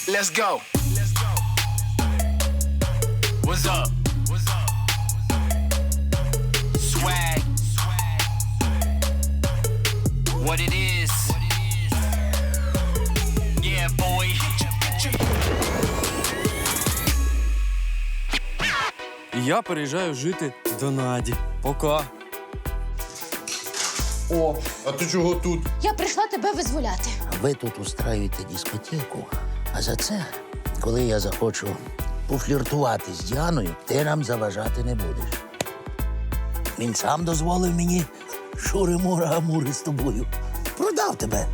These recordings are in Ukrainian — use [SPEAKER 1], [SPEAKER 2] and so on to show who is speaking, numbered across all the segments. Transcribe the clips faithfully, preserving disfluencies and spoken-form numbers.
[SPEAKER 1] Let's go. What's up? What's up? Swag. What it is. Yeah, boy.
[SPEAKER 2] Я переїжджаю жити до Наді. Пока.
[SPEAKER 3] О, а ти чого тут?
[SPEAKER 4] Я прийшла тебе визволяти.
[SPEAKER 5] Ви тут устраюєте дискотеку, а за це, коли я захочу пофліртувати з Діаною, ти нам заважати не будеш. Він сам дозволив мені шури-мури-амури з тобою. Продав тебе.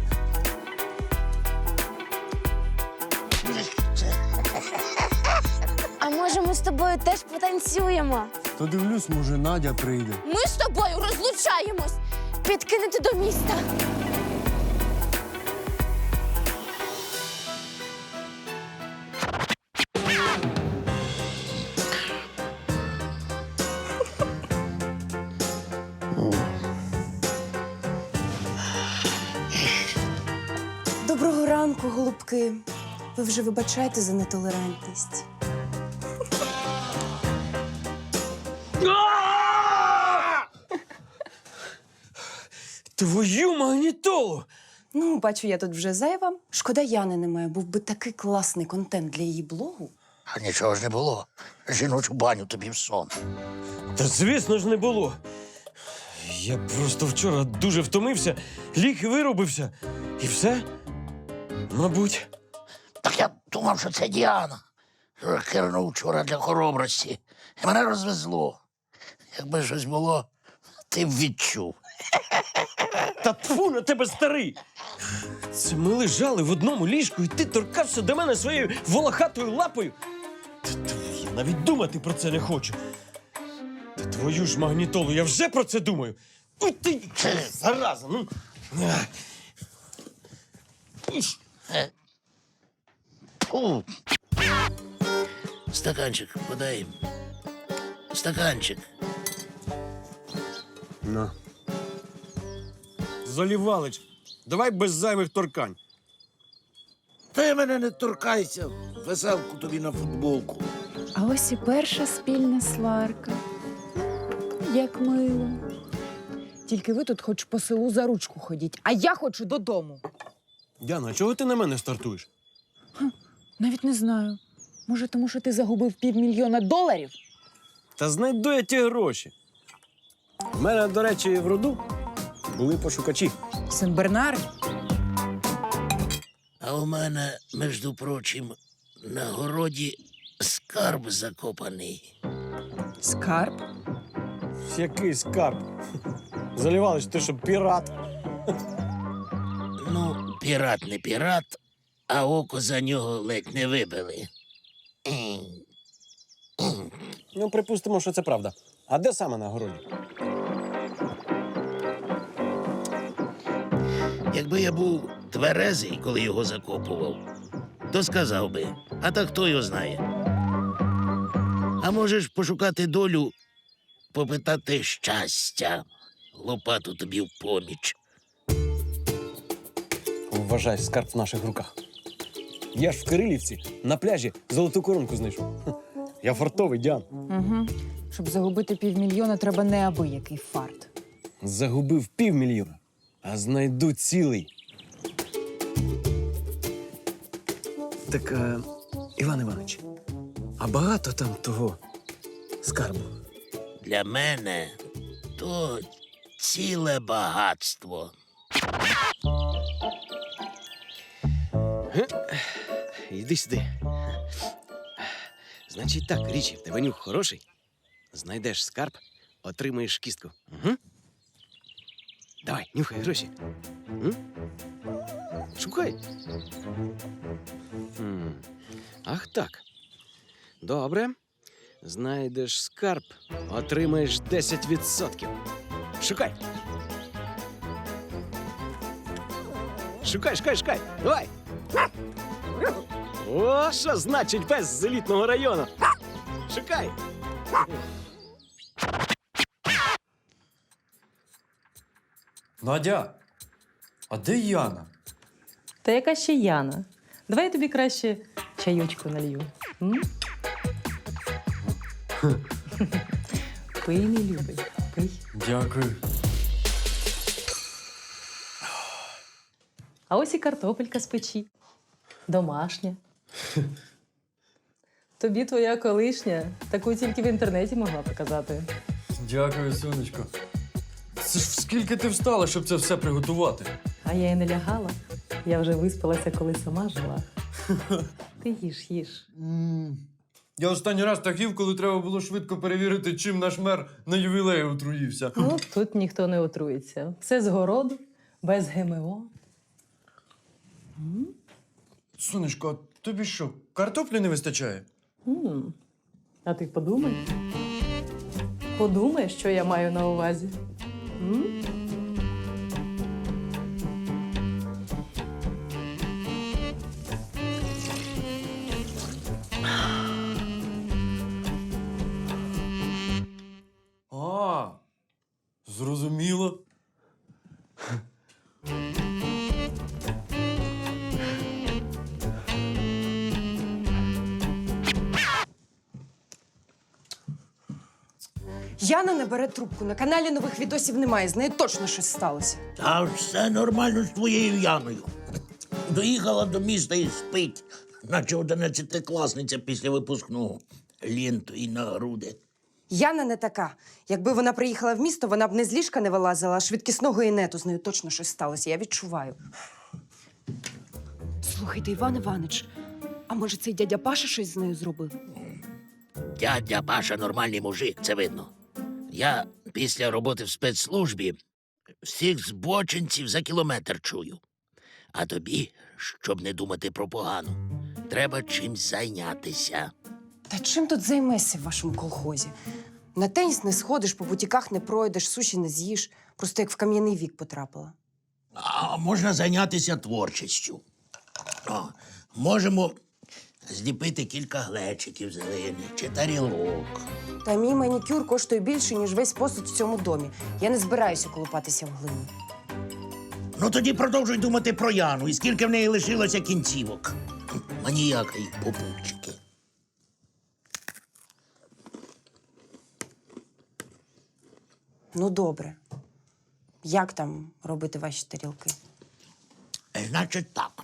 [SPEAKER 4] А може ми з тобою теж потанцюємо?
[SPEAKER 2] То дивлюсь, може, Надя прийде.
[SPEAKER 4] Ми з тобою розлучаємось. Підкинути до міста.
[SPEAKER 6] Доброго ранку, голубки. Ви вже вибачайте за нетолерантність.
[SPEAKER 2] Твою магнітолу!
[SPEAKER 6] Ну, бачу, я тут вже зайва. Шкода, Яни немає. Був би такий класний контент для її блогу.
[SPEAKER 5] А нічого ж не було. Жіночу баню тобі в сон.
[SPEAKER 2] Та звісно ж не було. Я просто вчора дуже втомився, ліг і виробився. І все? Мабуть.
[SPEAKER 5] Так я думав, що це Діана. Кирнув вчора для хоробрості. І мене розвезло. Якби щось було, ти б відчув.
[SPEAKER 2] Та тфу на тебе, старий! Це ми лежали в одному ліжку, і ти торкався до мене своєю волохатою лапою. Та, та, я навіть думати про це не хочу. Та твою ж магнітолу, я вже про це думаю. Ой ти, зараза, ну. Ах. Іш.
[SPEAKER 5] Фу. Стаканчик подай. Стаканчик.
[SPEAKER 2] На. Залівалич, давай без зайвих торкань.
[SPEAKER 5] Ти мене не торкайся. Веселку тобі на футболку.
[SPEAKER 7] А ось і перша спільна сварка. Як мило. Тільки ви тут хоч по селу за ручку ходіть, а я хочу додому.
[SPEAKER 2] Діана, чого ти на мене стартуєш?
[SPEAKER 7] Навіть не знаю. Може, тому що ти загубив півмільйона доларів?
[SPEAKER 2] Та знайду я ті гроші. У мене, до речі, в роду були пошукачі.
[SPEAKER 7] Сен-Бернар?
[SPEAKER 5] А у мене, між прочим, на городі скарб закопаний.
[SPEAKER 7] Скарб?
[SPEAKER 2] Який скарб? Залівалич, ти що, пірат?
[SPEAKER 5] Ну, пірат не пірат, а око за нього ледь не вибили.
[SPEAKER 2] Ну, припустимо, що це правда. А де саме на городі?
[SPEAKER 5] Якби я був тверезий, коли його закопував, то сказав би, а так хто його знає. А можеш пошукати долю, попитати щастя. Лопату тобі в поміч.
[SPEAKER 2] Вважай, скарб в наших руках. Я ж в Кирилівці на пляжі золоту коронку знайшов. Я фартовий, Діан.
[SPEAKER 7] Угу. Щоб загубити півмільйона, треба неабиякий фарт.
[SPEAKER 2] Загубив півмільйона, а знайду цілий. Так, е, Іван Іванович, а багато там того скарбу?
[SPEAKER 5] Для мене то ціле багатство.
[SPEAKER 8] Іди сюди. Значить так, Річі, в тебе нюх хороший. Знайдеш скарб, отримаєш кістку. Угу. Давай, нюхай гроші. М? Шукай. М. Ах так. Добре. Знайдеш скарб, отримаєш десять відсотків. Шукай. Шукай, шукай, шукай. Давай. О, що значить пес з елітного району? Шукай.
[SPEAKER 2] Надя, а де Яна?
[SPEAKER 9] Та яка ще Яна? Давай я тобі краще чайочку налью. М? Пий, мій любий, пий.
[SPEAKER 2] Дякую.
[SPEAKER 9] А ось і картопелька з печі. Домашня. Тобі твоя колишня таку тільки в інтернеті могла показати.
[SPEAKER 2] Дякую, сонечко. Це ж скільки ти встала, щоб це все приготувати?
[SPEAKER 9] А я й не лягала. Я вже виспалася, коли сама жила. Ти їж, їж.
[SPEAKER 2] Я останній раз так їв, коли треба було швидко перевірити, чим наш мер на ювілеї отруївся.
[SPEAKER 9] Ну, тут ніхто не отруїться. Все з городу, без ГМО.
[SPEAKER 2] Сонечко, а тобі що, картоплі не вистачає?
[SPEAKER 9] М. А ти подумай. Подумай, що я маю на увазі. М?
[SPEAKER 2] А, зрозуміло.
[SPEAKER 6] Яна не бере трубку. На каналі нових відосів немає. З нею точно щось сталося.
[SPEAKER 5] Та все нормально з твоєю Яною. Доїхала до міста і спить, наче одинадцятикласниця після випускного. Лінту і на груди.
[SPEAKER 6] Яна не така. Якби вона приїхала в місто, вона б не з ліжка не вилазила, а швидкісного інету. З нею точно щось сталося. Я відчуваю. Слухайте, Іван Іванич, а може цей дядя Паша щось з нею зробив?
[SPEAKER 5] Дядя Паша нормальний мужик, це видно. Я після роботи в спецслужбі всіх збочинців за кілометр чую. А тобі, щоб не думати про погану, треба чимсь зайнятися.
[SPEAKER 6] Та чим тут займешся в вашому колхозі? На теніс не сходиш, по бутіках не пройдеш, суші не з'їш. Просто як в кам'яний вік потрапила.
[SPEAKER 5] А можна зайнятися творчістю. О, можемо зліпити кілька глечиків зелених чи тарілок.
[SPEAKER 6] Та мій манікюр коштує більше, ніж весь посуд в цьому домі. Я не збираюся колупатися в глині.
[SPEAKER 5] Ну тоді продовжуй думати про Яну і скільки в неї лишилося кінцівок. Маніяка й попутчики.
[SPEAKER 6] Ну, добре. Як там робити ваші тарілки?
[SPEAKER 5] Е, Значить так.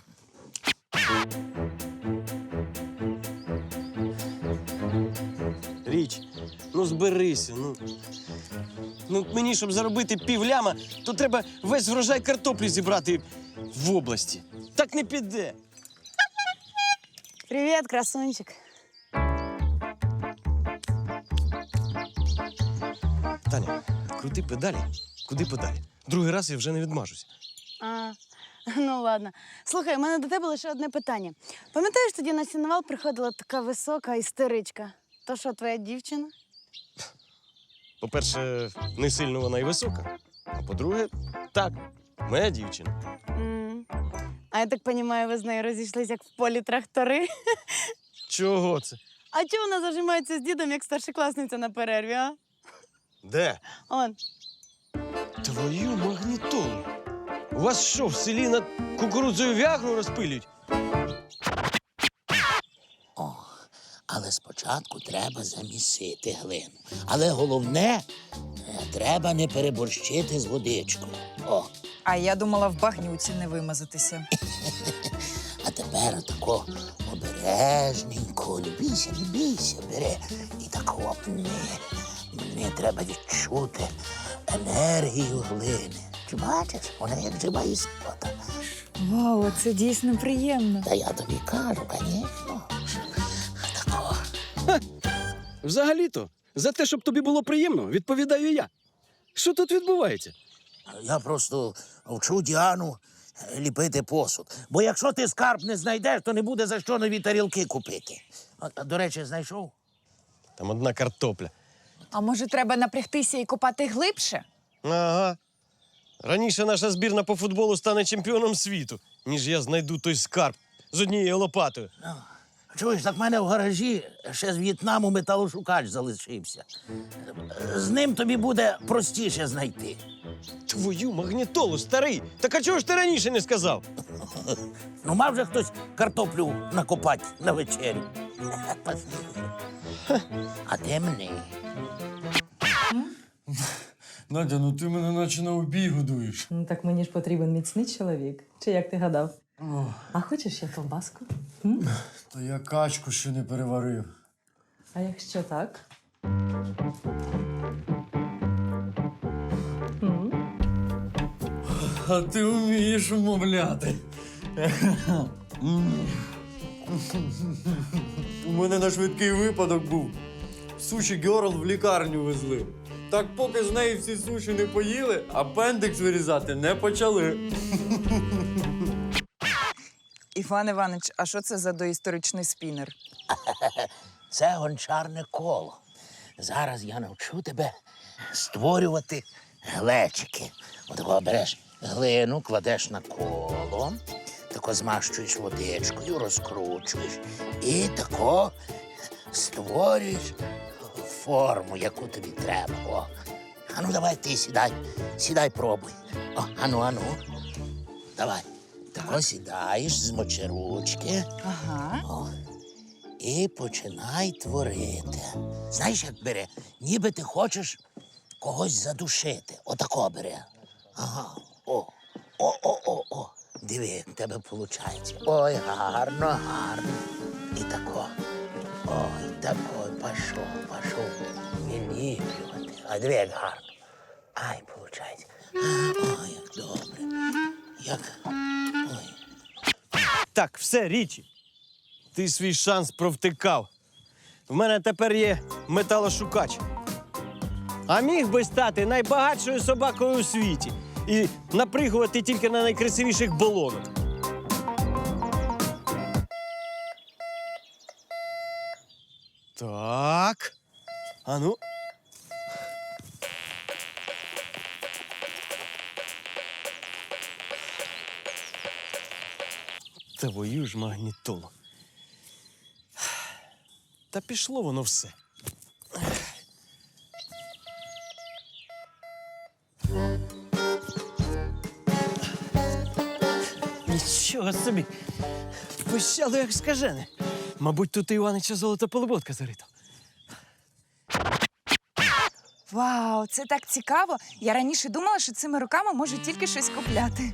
[SPEAKER 2] Річ, ну зберися, ну. Ну, мені, щоб заробити півляма, то треба весь врожай картоплі зібрати в області. Так не піде.
[SPEAKER 4] Привіт, красунчик.
[SPEAKER 2] Таня, крути педалі, куди педалі. Другий раз я вже не відмажуся.
[SPEAKER 4] А, ну ладно. Слухай, у мене до тебе лише одне питання. Пам'ятаєш, тоді на сінувал приходила така висока істеричка? То що, твоя дівчина?
[SPEAKER 2] По-перше, не сильно вона і висока. А по-друге, так, моя дівчина.
[SPEAKER 4] М. А я так розумію, ви з нею розійшлися, як в полі трактори.
[SPEAKER 2] Чого це?
[SPEAKER 4] А чого вона зажимається з дідом, як старшокласниця на перерві, а?
[SPEAKER 2] Де?
[SPEAKER 4] Он.
[SPEAKER 2] Твою магнітолу. У вас що, в селі над кукурудзою вягру розпилюють?
[SPEAKER 5] О, але спочатку треба замісити глину. Але головне, е, треба не переборщити з водичкою. О,
[SPEAKER 10] А я думала в багнюці не вимазатися.
[SPEAKER 5] а тепер тако обережненько, не бійся, не бійся, бери. І тако не, не треба відчути енергію глини. Чи бачиш, вона як жива істота.
[SPEAKER 10] Вау, це дійсно приємно.
[SPEAKER 5] Та я тобі кажу, звісно. Тако.
[SPEAKER 8] Взагалі-то, за те, щоб тобі було приємно, відповідаю я. Що тут відбувається?
[SPEAKER 5] Я просто вчу Діану ліпити посуд. Бо якщо ти скарб не знайдеш, то не буде за що нові тарілки купити. А, до речі, знайшов?
[SPEAKER 2] Там одна картопля.
[SPEAKER 10] А може, треба напрягтися і копати глибше?
[SPEAKER 2] Ага. Раніше наша збірна по футболу стане чемпіоном світу, ніж я знайду той скарб з однією лопатою.
[SPEAKER 5] Чуєш, так в мене в гаражі ще з В'єтнаму металошукач залишився. З ним тобі буде простіше знайти.
[SPEAKER 2] Твою магнітолу, старий! Так а чого ж ти раніше не сказав?
[SPEAKER 5] Ну, мав же хтось картоплю накопати на вечерю. А де мені?
[SPEAKER 11] Надя, ну ти мене наче на обій годуєш.
[SPEAKER 9] Ну так мені ж потрібен міцний чоловік. Чи як ти гадав?
[SPEAKER 11] О,
[SPEAKER 9] А хочеш я ковбаску?
[SPEAKER 11] та я качку ще не переварив.
[SPEAKER 9] А якщо так? М?
[SPEAKER 11] А ти вмієш умовляти. У мене на швидкий випадок був. Суші Герл в лікарню везли. Так поки з неї всі суші не поїли, апендикс вирізати не почали.
[SPEAKER 10] Іван Іванович, а що це за доісторичний спінер?
[SPEAKER 5] Це гончарне коло. Зараз я навчу тебе створювати глечики. Отако береш глину, кладеш на коло, тако змащуєш водичкою, розкручуєш і тако створюєш форму, яку тобі треба. О. Ану, давай ти сідай. Сідай, пробуй. О, ану, ану. Давай. Тако сідаєш, змочи ручки.
[SPEAKER 10] Ага.
[SPEAKER 5] О. І починай творити. Знаєш, як бере? Ніби ти хочеш когось задушити. Отако бере. Ага. О. О-о-о-о. Диви, як в тебе виходить. Ой, гарно, гарно. І тако. Ой, тако, пішов, пішов. Виліплювати. А диви, як гарно. Ай, виходить. Ой, як добре. Як. Ой.
[SPEAKER 2] Так, все, Річі. Ти свій шанс провтикав. В мене тепер є металошукач. А міг би стати найбагатшою собакою у світі і напригувати тільки на найкрасивіших болонок. Так. А ну. Твою ж магнітолу. Та пішло воно все. Нічого собі. Пищало, як скажене. Мабуть, тут у Іванича золота полуботка зарита.
[SPEAKER 10] Вау, це так цікаво. Я раніше думала, що цими руками можу тільки щось купляти.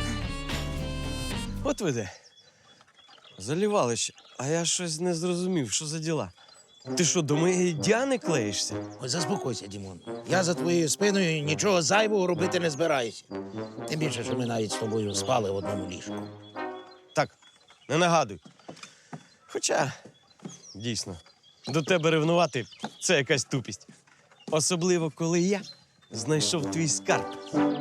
[SPEAKER 2] От ви де. Залівалище. А я щось не зрозумів, що за діла. Ти що, до моєї Діани клеїшся?
[SPEAKER 5] Ой, заспокойся, Дімон. Я за твоєю спиною нічого зайвого робити не збираюся. Тим більше, що ми навіть з тобою спали в одному ліжку.
[SPEAKER 2] Так, не нагадуй. Хоча, дійсно, до тебе ревнувати – це якась тупість. Особливо, коли я знайшов твій скарб.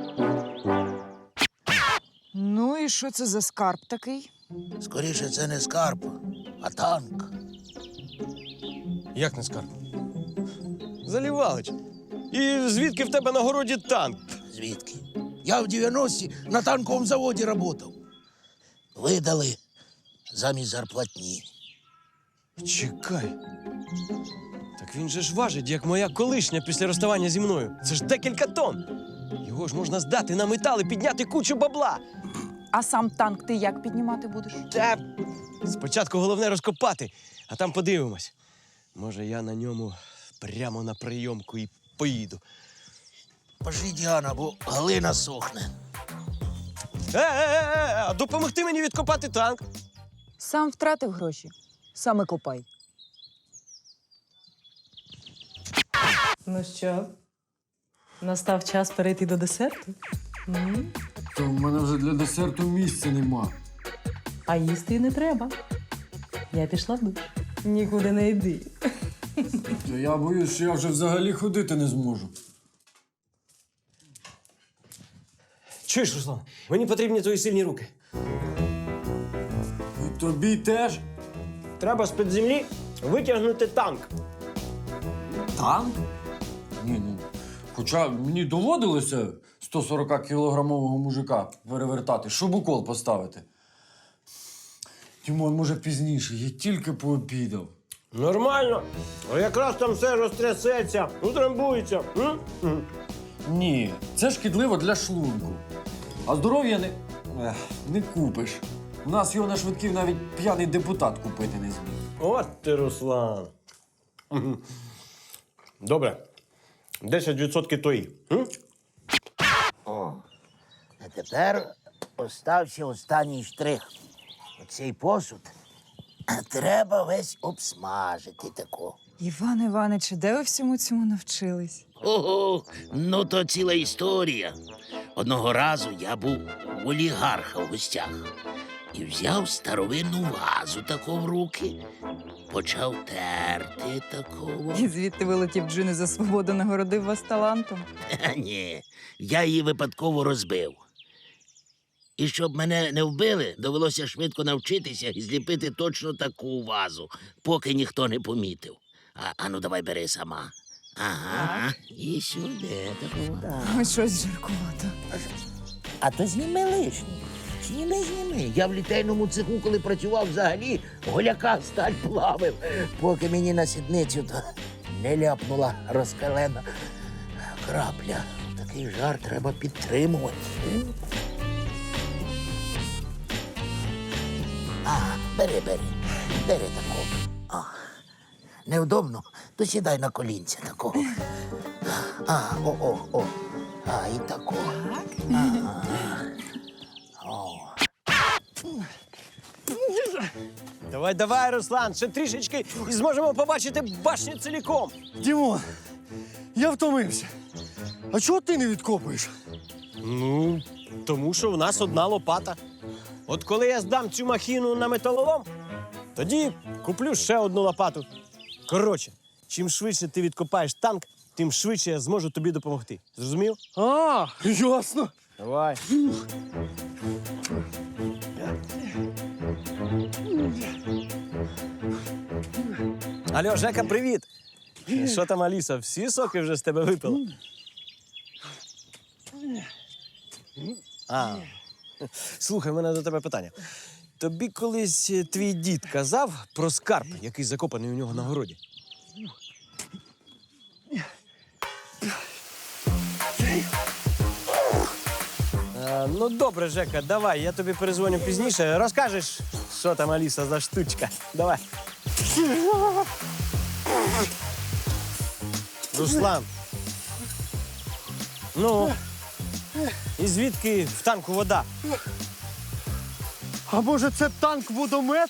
[SPEAKER 10] Ну і що це за скарб такий?
[SPEAKER 5] Скоріше, це не скарб, а танк.
[SPEAKER 2] Як не скарб? Залівалич. І звідки в тебе на городі танк?
[SPEAKER 5] Звідки? Я в дев'яності на танковому заводі працював. Видали замість зарплатні.
[SPEAKER 2] Чекай. Так він же ж важить, як моя колишня після розставання зі мною. Це ж декілька тонн. Його ж можна здати на метал і підняти кучу бабла.
[SPEAKER 10] А сам танк ти як піднімати будеш?
[SPEAKER 2] Та спочатку головне розкопати, а там подивимось. Може, я на ньому прямо на прийомку і поїду.
[SPEAKER 5] Пошли, Діана, бо глина сохне.
[SPEAKER 2] Е-е-е, а допомогти мені відкопати танк.
[SPEAKER 10] Сам втратив гроші. Саме копай.
[SPEAKER 9] Ну що, настав час перейти до десерту? М?
[SPEAKER 11] Та в мене вже для десерту місця нема.
[SPEAKER 9] А їсти й не треба. Я пішла в душ. Нікуди не йди.
[SPEAKER 11] Та я боюсь, що я вже взагалі ходити не зможу.
[SPEAKER 2] Чуєш, Руслан, мені потрібні твої сильні руки.
[SPEAKER 11] І тобі теж?
[SPEAKER 2] Треба з-під землі витягнути танк.
[SPEAKER 11] Танк? Ні, ну. Хоча мені доводилося сто сорок кілограмового мужика перевертати, щоб укол поставити. Тімон, може, пізніше, я тільки пообідав.
[SPEAKER 2] Нормально. А якраз там все розтрясеться, утрамбується. М? М.
[SPEAKER 11] Ні, це шкідливо для шлунку. А здоров'я не, ех, не купиш. У нас його на швидків навіть п'яний депутат купити не зміг.
[SPEAKER 2] От ти, Руслан. Мгм. Добре. десять відсотків твої. М?
[SPEAKER 5] О, а тепер остався останній штрих. Оцей посуд треба весь обсмажити тако.
[SPEAKER 10] Іван Іванич, де ви всьому цьому навчились?
[SPEAKER 5] Ого, ну то ціла історія. Одного разу я був у олігарха в гостях і взяв старовинну вазу тако в руки, почав терти такого.
[SPEAKER 10] І звідти вилетів джини за свободу, нагородив вас талантом.
[SPEAKER 5] Ха, ні, я її випадково розбив. І щоб мене не вбили, довелося швидко навчитися і зліпити точно таку вазу, поки ніхто не помітив. А, а ну давай бери сама. Ага, і сюди таку. Да.
[SPEAKER 10] Ой, щось жаркувато.
[SPEAKER 5] А то зніми лишнє. Зніми, зніми. Я в літейному цеху, коли працював, взагалі голяка сталь плавив, поки мені на сідницю то не ляпнула розкалена крапля. Такий жар треба підтримувати. Ага, бери, бери. Бери такого. А, невдобно, то сідай на колінця такого. А, о, о, о. А, і такого. Ага. О.
[SPEAKER 2] Давай, давай, Руслан, ще трішечки і зможемо побачити башню ціліком.
[SPEAKER 11] Дімон, я втомився. А чого ти не відкопуєш?
[SPEAKER 2] Ну, тому що в нас одна лопата. От коли я здам цю махіну на металолом, тоді куплю ще одну лопату. Коротше, чим швидше ти відкопаєш танк, тим швидше я зможу тобі допомогти. Зрозумів?
[SPEAKER 11] А, ясно.
[SPEAKER 2] Давай. Алло, Жека, привіт. Що там, Аліса, всі соки вже з тебе випила? А, слухай, в мене до тебе питання. Тобі колись твій дід казав про скарб, який закопаний у нього на городі? А, ну, добре, Жека, давай, я тобі перезвоню пізніше. Розкажеш, що там, Аліса, за штучка. Давай. Руслан. Ну, і звідки в танку вода?
[SPEAKER 11] А може це танк-водомет?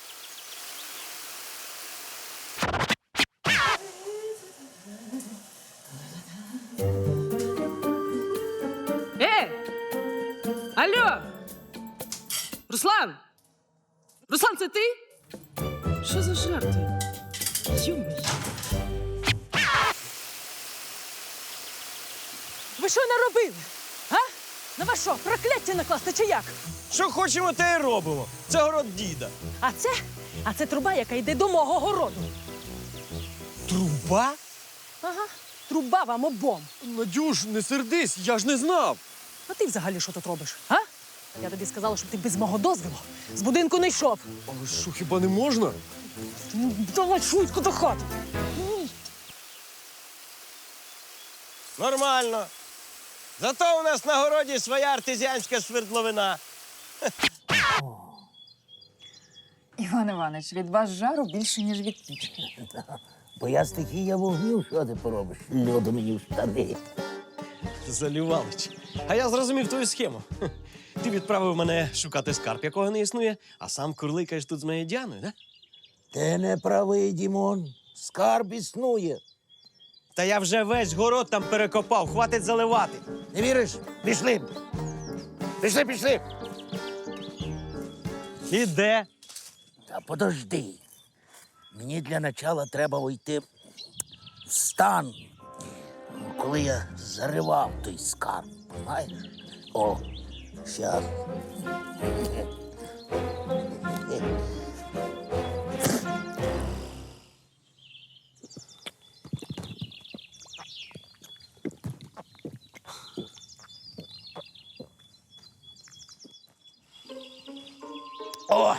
[SPEAKER 7] Е! Алло! Руслан! Руслан, це ти? Що за жарти? Йо-моє.
[SPEAKER 12] Ви що наробили? А? На вас що, прокляття накласти чи як?
[SPEAKER 2] Що хочемо, те й робимо. Це город діда.
[SPEAKER 12] А це? А це труба, яка йде до мого городу.
[SPEAKER 2] Труба?
[SPEAKER 12] Ага, труба вам обом.
[SPEAKER 11] Надюш, не сердись, я ж не знав.
[SPEAKER 12] А ти взагалі що тут робиш? А? Я тобі сказала, щоб ти без мого дозволу з будинку не йшов.
[SPEAKER 11] Але що, хіба не можна?
[SPEAKER 12] Ну, давай швидко до хати.
[SPEAKER 2] Нормально. Зато у нас на городі своя артезіанська свердловина.
[SPEAKER 10] Іван Іванович, від вас жару більше, ніж від пічки.
[SPEAKER 5] Бо я стихія вогню, що ти поробиш? Льоду мені в штани.
[SPEAKER 2] Залівалич. А я зрозумів твою схему. Хе. Ти відправив мене шукати скарб, якого не існує, а сам курликаєш тут з моєю Діаною, да?
[SPEAKER 5] Ти не правий, Дімон. Скарб існує.
[SPEAKER 2] Та я вже весь город там перекопав, хватить заливати.
[SPEAKER 5] Не віриш? Пішли. Пішли, пішли.
[SPEAKER 2] І де?
[SPEAKER 5] Та подожди. Мені для начала треба войти в стан, коли я заривав той скарб, знаєш? О, щас. О!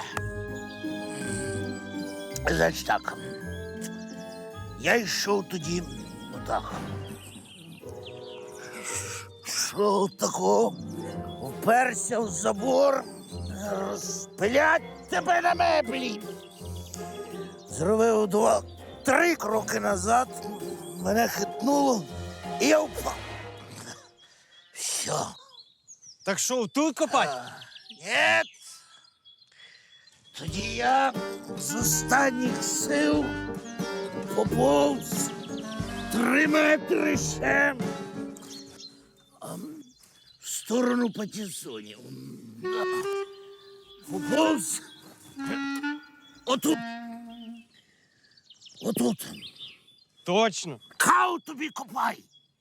[SPEAKER 5] Значить так. Я йшов тоді отак. Пішов тако, уперся в забор, розпилять тебе на меблі. Зробив два, три кроки назад, мене хитнуло, і я впав. Все.
[SPEAKER 2] Так що, тут копать?
[SPEAKER 5] Ні. Тоді я з останніх сил поповз три метри ще а, в сторону Патісонів. Поповз отут. Отут.
[SPEAKER 2] Точно.
[SPEAKER 5] Кау тобі копай.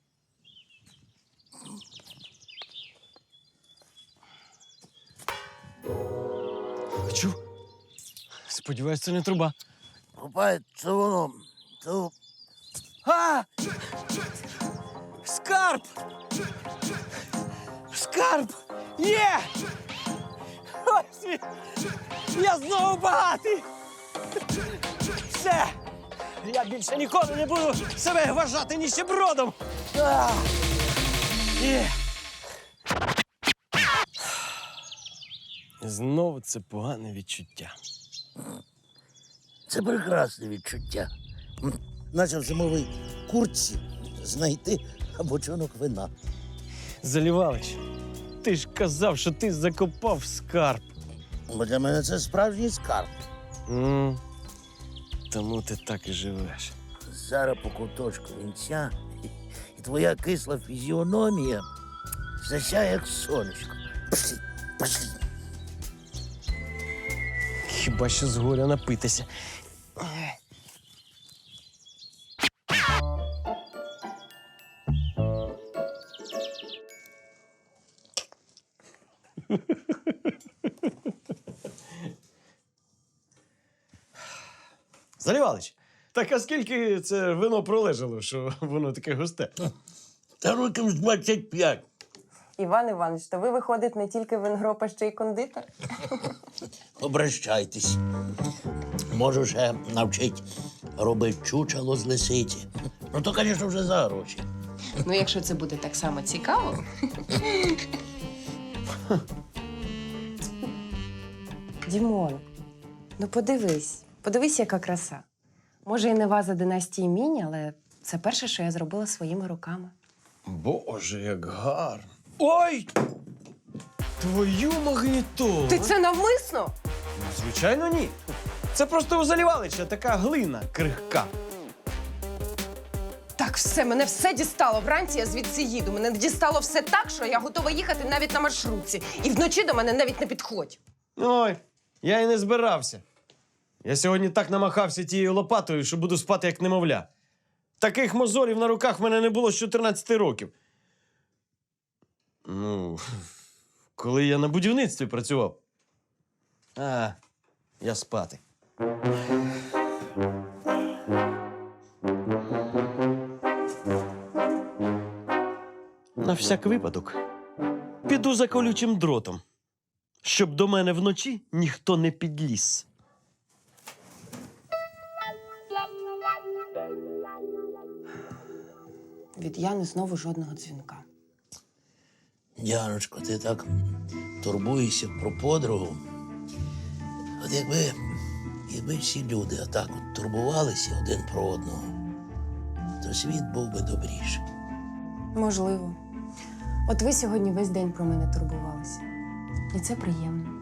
[SPEAKER 2] Чув? Сподіваюсь, це не труба.
[SPEAKER 5] Копай, це воно. Це...
[SPEAKER 2] А! Скарб! Скарб! Є! Ось він! Я знову багатий! Все! Я більше ніколи не буду себе вважати ніщебродом! А! Є! Знову це погане відчуття.
[SPEAKER 5] Це прекрасне відчуття. М, Наче в зимовій куртці знайти бочонок вина.
[SPEAKER 2] Залівалич, ти ж казав, що ти закопав скарб.
[SPEAKER 5] Бо для мене це справжній скарб.
[SPEAKER 2] М, Тому ти так і живеш.
[SPEAKER 5] Зараз по куточку вінця, і твоя кисла фізіономія засяє, як сонечко. Пошли, пошли.
[SPEAKER 2] Хіба що з горя напитися. Залівалич, так а скільки це вино пролежало, що воно таке густе?
[SPEAKER 5] Та років з двадцять п'ять.
[SPEAKER 6] Іван Іванович, то ви, виходить, не тільки вингроп, а ще й кондитер?
[SPEAKER 5] Обращайтесь. Можу ще навчить робити чучело з лисиці. Ну, то, звісно, вже за гроші.
[SPEAKER 6] Ну, якщо це буде так само цікаво. Дімон, ну подивись, подивись, яка краса. Може, і не ваза династії Мінь, але це перше, що я зробила своїми руками.
[SPEAKER 2] Боже, як гарно. Ой! Твою магнітолу!
[SPEAKER 6] Ти це навмисно?
[SPEAKER 2] Звичайно, ні. Це просто у Залівалича така глина крихка.
[SPEAKER 6] Так, все, мене все дістало. Вранці я звідси їду. Мене дістало все так, що я готова їхати навіть на маршрутці. І вночі до мене навіть не підходь.
[SPEAKER 2] Ой, я і не збирався. Я сьогодні так намахався тією лопатою, що буду спати як немовля. Таких мозолів на руках в мене не було з чотирнадцяти років. Ну, коли я на будівництві працював. А, я спати. На всяк випадок піду за колючим дротом, щоб до мене вночі ніхто не підліз.
[SPEAKER 6] Від Яни знову жодного дзвінка.
[SPEAKER 5] Діаночко, ти так турбуєшся про подругу. От якби, якби всі люди отак от турбувалися один про одного, то світ був би добріший.
[SPEAKER 6] Можливо. От ви сьогодні весь день про мене турбувалися. І це приємно.